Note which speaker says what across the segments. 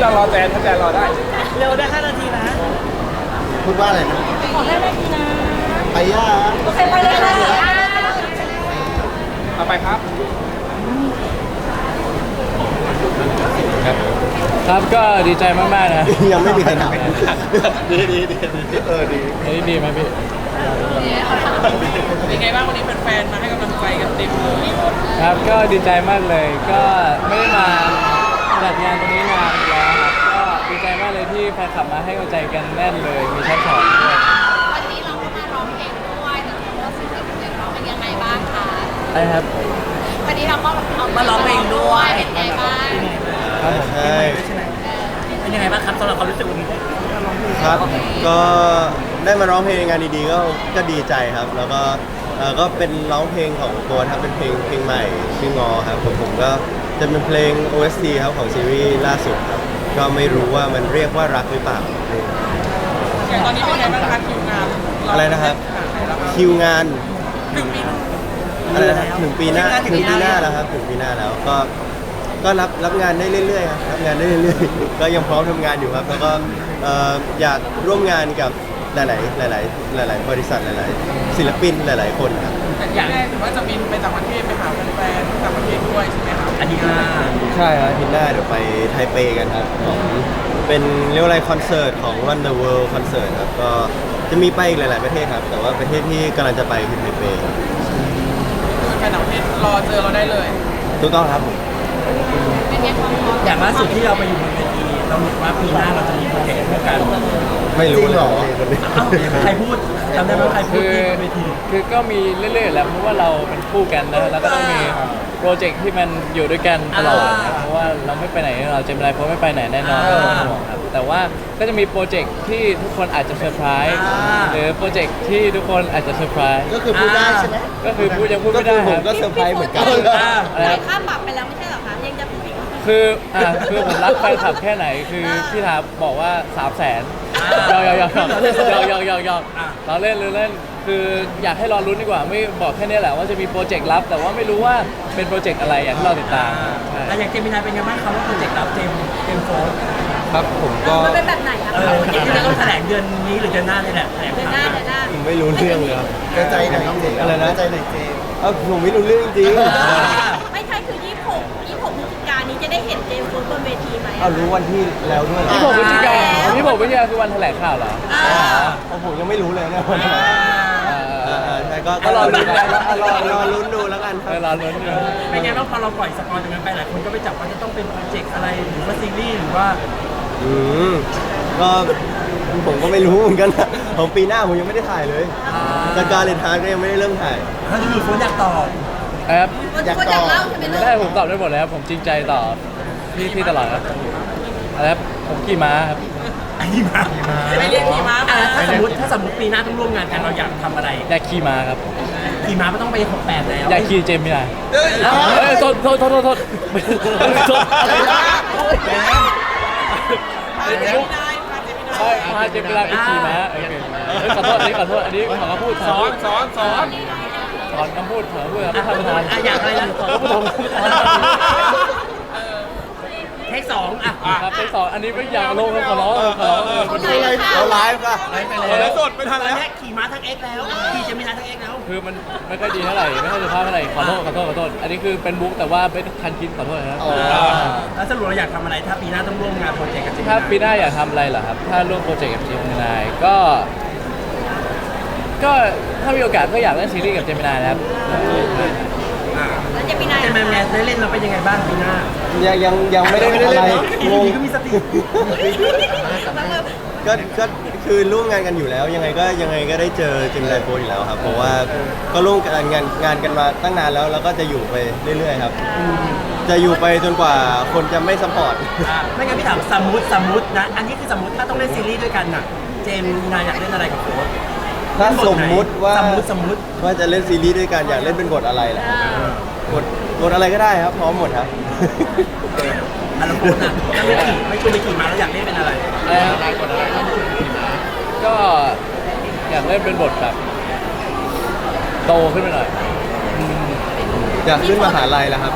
Speaker 1: อนรอแจนถ้าแจนรอได้
Speaker 2: เร็วได้5 นาทีนะ
Speaker 3: พูดว่าอะไรนะ
Speaker 4: ขอ5 นาทีนะ
Speaker 3: ไปย่า
Speaker 4: โอเคไปเลยค่ะ
Speaker 1: เอาไปครับ
Speaker 5: ครับก็ดีใจมากๆนะ
Speaker 3: ยังไม่มีใครถามดีดี
Speaker 5: ดีไหมพี่
Speaker 2: เป็นไงบ้างวันนี้แฟนๆมาให้กำลังใจกันเต็มเลย
Speaker 5: ครับก็ดีใจมากเลยก็ไม่ได้มาจัดงานตรงนี้นานแล้วครับก็ดีใจมากเลยที่แฟนคลับมาให้กำลังใจกันแน่นเลยมีชั้นสองด้วย
Speaker 4: วันนี้เราก็มาร้องเพลงด้วยแต่เราสิ่งที่เด็กร้องเป็นยังไงบ้างคะ
Speaker 5: ใช่ครับ
Speaker 4: วันนี้เราก็
Speaker 2: มาร้องเพลงด้วย
Speaker 4: เป็นไงบ้าง
Speaker 3: ใช่
Speaker 2: เป็นยังไงบ้างครับสำหรับความรู้สึกวันนี้
Speaker 3: ครับก็ได้มาร้องเพลงงานดีๆก็ดีใจครับ แล้วก็ก็เป็นร้องเพลงของตัวครับเป็นเพลงใหม่ชื่องอครับผมก็จะเป็นเพลง OST ครับของซีรีส์ล่าสุดครับก็ไม่รู้ว่ามันเรียกว่ารักหรือเปล่า
Speaker 2: อย่างตอนนี้เป็นไงบ้างคะคิวงาน
Speaker 3: อะไรนะครับคิวงานอะไรนะครับถึงปีหน้าแล้วครับถึงปีหน้าแล้วก็รับงานได้เรื่อยๆครับรับงานได้เรื่อยๆก็ยังพร้อมทำงานอยู่ครับแล้วก็อยากร่วมงานกับหลายบริษัทหลายๆศิลปินหลายๆคนครับ
Speaker 2: อย่างแรกถือว่าจะบินไปต่างประเทศไปหาแฟนๆต่างประเทศด้วยใช่ไหมครับ
Speaker 3: ใช่ครับอาทิตย์หน้าเดี๋ยวไปไทเปกันครับของเป็นเรียกว่าอะไรคอนเสิร์ตของ Run the World คอนเสิร์ตครับก็จะมีไปอีกหลายๆประเทศครับแต่ว่าประเทศที่กำลังจะไปคือไทเป
Speaker 2: แฟนต่างประเทศรอเจอเราได้เลย
Speaker 3: ถูกต้องครับผม
Speaker 2: อย่างล่าสุดที่เราไปอยู่บนเวทีเราบอกว่าปีหน้าเราจะมีโปรเจกต์ร่วมกัน
Speaker 3: ไม่รู้หรอ
Speaker 2: ใครพูดจำได้ไหมใครพูดเวที
Speaker 5: คือก็มีเรื่อยๆแหละเพราะว่าเราเป็นคู่กันนะแล้วก็ต้องมีโปรเจกต์ที่มันอยู่ด้วยกันตลอดนะเพราะว่าเราไม่ไปไหนเราจะไม่ได้เพราะไม่ไปไหนแน่นอนไม่ต้องห่วงครับแต่ว่าก็จะมีโปรเจกต์ที่ทุกคนอาจจะเซอร์ไพรส์หรือโปรเจกต์ที่ทุกคนอาจจะเซอร์ไพรส์
Speaker 3: ก็คือพูดได้ใช่ไหม
Speaker 5: ก็คือพูดยังพูดไม่ได้
Speaker 3: ผมก็เซอร์ไพรส์เหมือนกัน
Speaker 4: จ่ายค่าปรับไปแล้วไม่ใช่หรอคะยังจะพูดอีก
Speaker 5: คือผมรักแฟนคลับแค่ไหนคือพี่ทาบอกว่า300,000ยอกเราเล่นคืออยากให้รอรุ้นดีกว่าไม่บอกแค่นี้แหละว่าจะมีโปรเจกต์ลับแต่ว่าไม่รู้ว่าเป็นโปรเจกต์อะไรอยากให้เราติดตาม
Speaker 2: แล้วอย่างเจมินายเป็นยังไงบ้างครับว่าโปรเจกต์ลับเจมโฟน
Speaker 3: ครับผมก็
Speaker 4: มันเป็นแบบไหนครับ
Speaker 2: ที่จะต้องแถลงเดือนนี้หรือเดือนหน้านี่แหละ
Speaker 4: เดือนหน้า
Speaker 3: ผมไม่รู้เรื่องเลยครับใจไหนอะไรนะใจไหนเจผมไม่รู้เรื่องจริง
Speaker 4: ไม่ใช่คือ26พฤศจิกายนนี้จะได้เห็นเจมส์บนเวทีไหม
Speaker 3: รู้วันที่แล้วด้วย
Speaker 5: 26 พฤศจิกายนคือวันแถลงข่าวเหรอ
Speaker 3: ผมยังไม่รู้เลยเนี่ยวันใช่ก็รอลุ้นดูแล้วกันครับ
Speaker 5: รอลุ้นดู
Speaker 2: เป็นไงบ้างพอเราปล่อยสปอยล์ตรงนั้นไปหลายคนก็ไปจับว่าจะต้องเป็นโปรเจกต์อะไรหรือว่าซีรีส์หรือว่า
Speaker 3: ก็ผมก็ไม่รู้เหมือนกันของปีหน้าผมยังไม่ได้ถ่ายเลยสกาเลนทานก็ยังไม่ได้เริ่มถ่าย
Speaker 2: ถ้าจะมีคนอยากตอบ
Speaker 5: ครับ
Speaker 4: อยากเล่าใช่ไหม
Speaker 5: ได้ผมตอบได้หมดแล้วผมจริงใจต่อที่ตลอดครับครับผมขี่ม้าครับ
Speaker 2: ขี่ม้าไม่เรียกขี่ม้าถ้าสมมติปีหน้าต้องร่วมงานกันเราอยากทำอะไร
Speaker 5: อยากขี่ม้าครับ
Speaker 2: ขี่ม้าไม่ต้องไป68แล้ว
Speaker 5: อยากขี่เจมไม่ได้โทษพาเจมไม่ได้ไปขี่ม้าขอโทษอันนี้ขอพูด
Speaker 1: สอน
Speaker 5: คำพูดครับท่านประธาน
Speaker 2: อยากอะไรนะเทค2
Speaker 5: ครับเทค2อันนี้ไม่อยากลงขอร้อง
Speaker 3: เราไลฟ์ป่ะ
Speaker 1: แล้วสดไม่ทันแล้ว
Speaker 2: ขี่ม้าทั้ง X แล้วขี่จะมีทั้ง X แล้ว
Speaker 5: คือมันไม่ค่อยดีเท่าไหร่ไม่ค่อยสุภาพเท่าไหร่ขอโทษอันนี้คือเป็นบุ๊กแต่ว่าเป็นทันคิดขอโทษนะ
Speaker 2: แล้วสรุปเราอยากทำอะไรถ้าปีหน้าต้องร่วมงานโปรเจกต์กับจิม
Speaker 5: ถ้าปีหน้าอยากทำอะไรเหรอครับถ้าร่วมโปรเจกต์กับจิมนายก็ถ้ามีโอกาสก็อยากเล่นซีรีส์กับเจมินายนะครับ
Speaker 4: แล้วเจมินาย
Speaker 2: แมนได้เล่นเราเป็นยังไงบ้างปีหน้า
Speaker 3: ยังไม่ได้อะไร
Speaker 2: งงก็มีสติ
Speaker 3: ก็คือร่วมงานกันอยู่แล้วยังไงก็ได้เจอเจมินายโฟนอยู่แล้วครับเพราะว่าก็ร่วมงานกันมาตั้งนานแล้วก็จะอยู่ไปเรื่อยๆครับจะอยู่ไปจนกว่าคนจะไม่ซัพพอร์ต
Speaker 2: ไม่งั้นพี่ถามสมมุตินะอันนี้คือสมมติถ้าต้องเล่นซีรีส์ด้วยกันน่ะเจมินายอยากเล่นอะไรกับโค้ช
Speaker 3: ถ้าสมมุติว่า
Speaker 2: ว่า
Speaker 3: จะเล่นซีรีส์ด้วยกันอยากเล่นเป็นบทอะไรล่ะบทอะไรก็ได้ครับพร้อมหมดครับ
Speaker 2: แล้วโค้ชน่ะถ้าไม่ชวนไปขี่ม้าแล้วอยากเล่นเป็นอะไร
Speaker 5: ก็อยากเล่นเป็นบทแบบโตขึ้นไปหน่อย
Speaker 3: อยากขึ้นมหาลัยแล้วครับ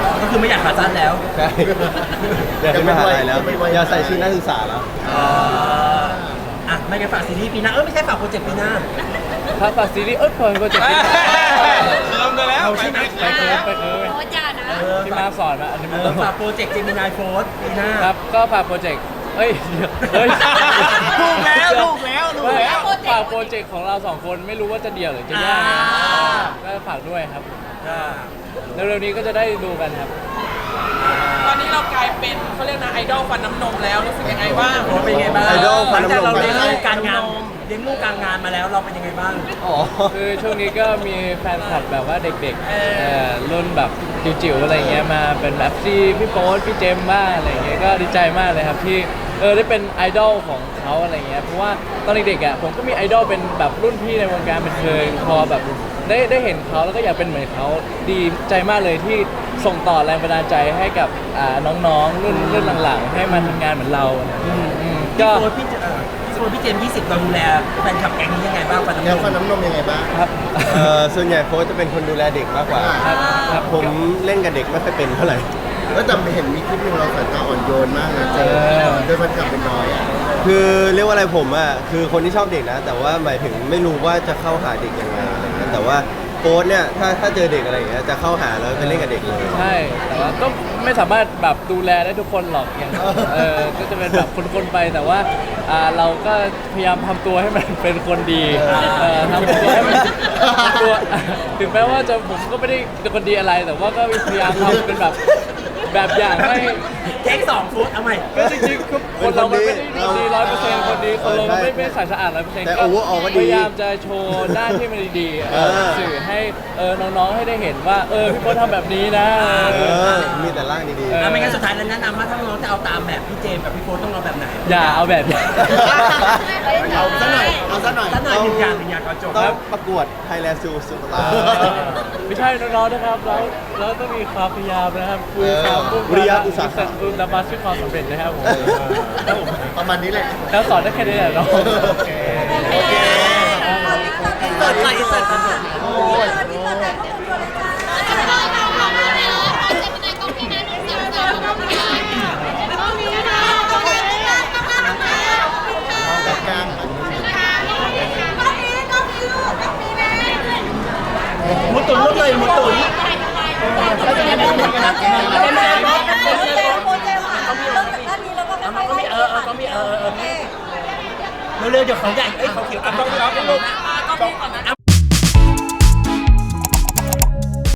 Speaker 2: ก็คือไม่อยากขาสั้นแล้ว
Speaker 3: ใช่อยากขึ้นมหาลัยแล้วอยากใส่ชุดนักศึกษาแล้ว
Speaker 2: อ่ะไม่งั้นฝากซีรีส์ปีหน้าไม่ใช่ฝากโปรเจกต์ปีหน้า
Speaker 5: ถ้าฝากซีรีส์พอโปรเจกต์ที่
Speaker 1: ลงกันแล้ว
Speaker 2: เอาใช่ไหม
Speaker 5: ไปเคิร์ฟ
Speaker 4: โอ้จ้านะ
Speaker 5: ที่มาสอนมาอันนี้มัน
Speaker 2: ฝากโปรเจกต์เจมินายโฟร์ปีหน้า
Speaker 5: ครับก็ฝากโปรเจกต์เฮ้ยเฮ้ย
Speaker 1: ถูกแล้วถูกแล้วถูกแล้ว
Speaker 5: ฝากโปรเจกต์ของเราสองคนไม่รู้ว่าจะเดี่ยวหรือจะแยกนะก็ฝากด้วยครับเร็วๆนี้ก็จะได้ดูกันครับ
Speaker 6: ตอนนี้เรากลายเป็นเขาเรียกนะไอดอลฟันน้ำนมแล้วรู้สึกยังไงบ้าง
Speaker 2: โอ้เป็นยังไงบ้าง
Speaker 3: ไอดอล
Speaker 2: หลังจากเรา
Speaker 3: ฟัน
Speaker 2: เลี้ยง
Speaker 3: น้ำนม
Speaker 2: ลูกการงานเลี้ยงลูกการงานมาแล้วเราเป็นยังไงบ้าง
Speaker 3: อ๋อ
Speaker 5: คือช่วงนี้ก็มีแฟนคลับแบบว่าเด็กๆรุ่นแบบจิ๋วๆอะไรเงี้ยมาเป็นแบบที่พี่โป๊ตพี่เจมส์บ้างอะไรเงี้ยก็ดีใจมากเลยครับที่ได้เป็นไอดอลของเขาอะไรเงี้ยเพราะว่าตอนเด็กๆอ่ะผมก็มีไอดอลเป็นแบบรุ่นพี่ในวงการบันเทิงพอแบบได้เห็นเขาแล้วก็อยากเป็นเหมือนเขาดีใจมากเลยที่ส่งต่อแรงบันดาลใจให้กับน้องๆรุ่นหลังๆให้มาทำงานเหมือนเราก็
Speaker 2: พี่โฟร์พี่เจมส์20เราดูแลแฟนคลับแก๊งนี้ยังไงบ้างฟัน
Speaker 7: แนว
Speaker 2: น้ำน
Speaker 7: ฟัน
Speaker 2: ม
Speaker 7: น้ำนมยังไงบ้าง
Speaker 5: ครับ
Speaker 3: ส่วนใหญ่โค้ชจะเป็นคนดูแลเด็กมากกว่า
Speaker 5: ครับ
Speaker 3: ผมเล่นกับเด็กไม่ค่อยเป็นเท่าไหร่
Speaker 7: แล้วแต่เห็นมีคลิปหนึงเราสายตาอ่อนโยนมากนะเจด้วยฟันกลับเป็นน้อยอ่ะ
Speaker 3: คือเรียกว่าอะไรผมอ่ะคือคนที่ชอบเด็กนะ แต่ว่าหมายถึงไม่รู้ว่าจะเข้าหาเด็กยังไงอะไรเงี้ยแต่ว่าโค้ชเนี่ยถ้าเจอเด็กอะไรอย่างเงี้ยจะเข้าหาแล้วไปเล่นกับเด็กเลย
Speaker 5: ใช่แต่ว่าก็ไม่สามารถแบบดูแลได้ทุกคนหรอกอย่างก็จะเป็นแบบคนๆไปแต่ว่าเราก็พยายามทำตัวให้มันเป็นคนดีทำตัวให้มันตัวถึงแม้ว่าผมก็ไม่ได้เป็นคนดีอะไร แต่ว่าก็พยายามทำเป็นแบบอย่างให้
Speaker 2: เทค2ฟุตเอาใหม่
Speaker 5: ก็จริงๆคือคนเรามันไม่ได้ดี100%คนดีคนเรามันไม่ใส่สะอาด100%
Speaker 3: แต่ overall ก็ดี
Speaker 5: พยายามจะโชว์ด้านที่มันดีๆสื่อให้น้องๆให้ได้เห็นว่าพี่โป๊ตทำแบบนี้นะ
Speaker 3: มีแต่ร่างดี
Speaker 2: ไม่งั้นสุดท้ายแล้วแนะนำว่าถ้าน้องจะเอาตามแบบพี่เจมส์กับพี่โฟร์ต้องเอาแบบไหน
Speaker 5: อย่าเอาแบบนี้
Speaker 7: เอาซะหน่อยเอาซะหน่อย
Speaker 2: ถ้าหน่อยหนึ่งอย่างก่อนจบ
Speaker 3: ๆต้องประกวด Thailand Super Star
Speaker 5: ไม่ใช่น้องๆนะครับเราต้องมีความพยายามนะครับคือความมุ่ง
Speaker 3: วิริยะอุตสาหะ
Speaker 5: คือดำบัสที่ความสำเร็จนะครับผมครับผม
Speaker 7: ประมาณนี้แหละ
Speaker 5: แล้วสอนได้แค่นี้แหละน้อง
Speaker 7: โอเค
Speaker 2: เปิดไปเปิดกันหมด
Speaker 7: แบบกลาง
Speaker 2: หมุดตุนลุกเลยหมุดตุนเร็วๆเดี๋ยวเขาใหญ่เขาเขียวต้องรับลูกเอา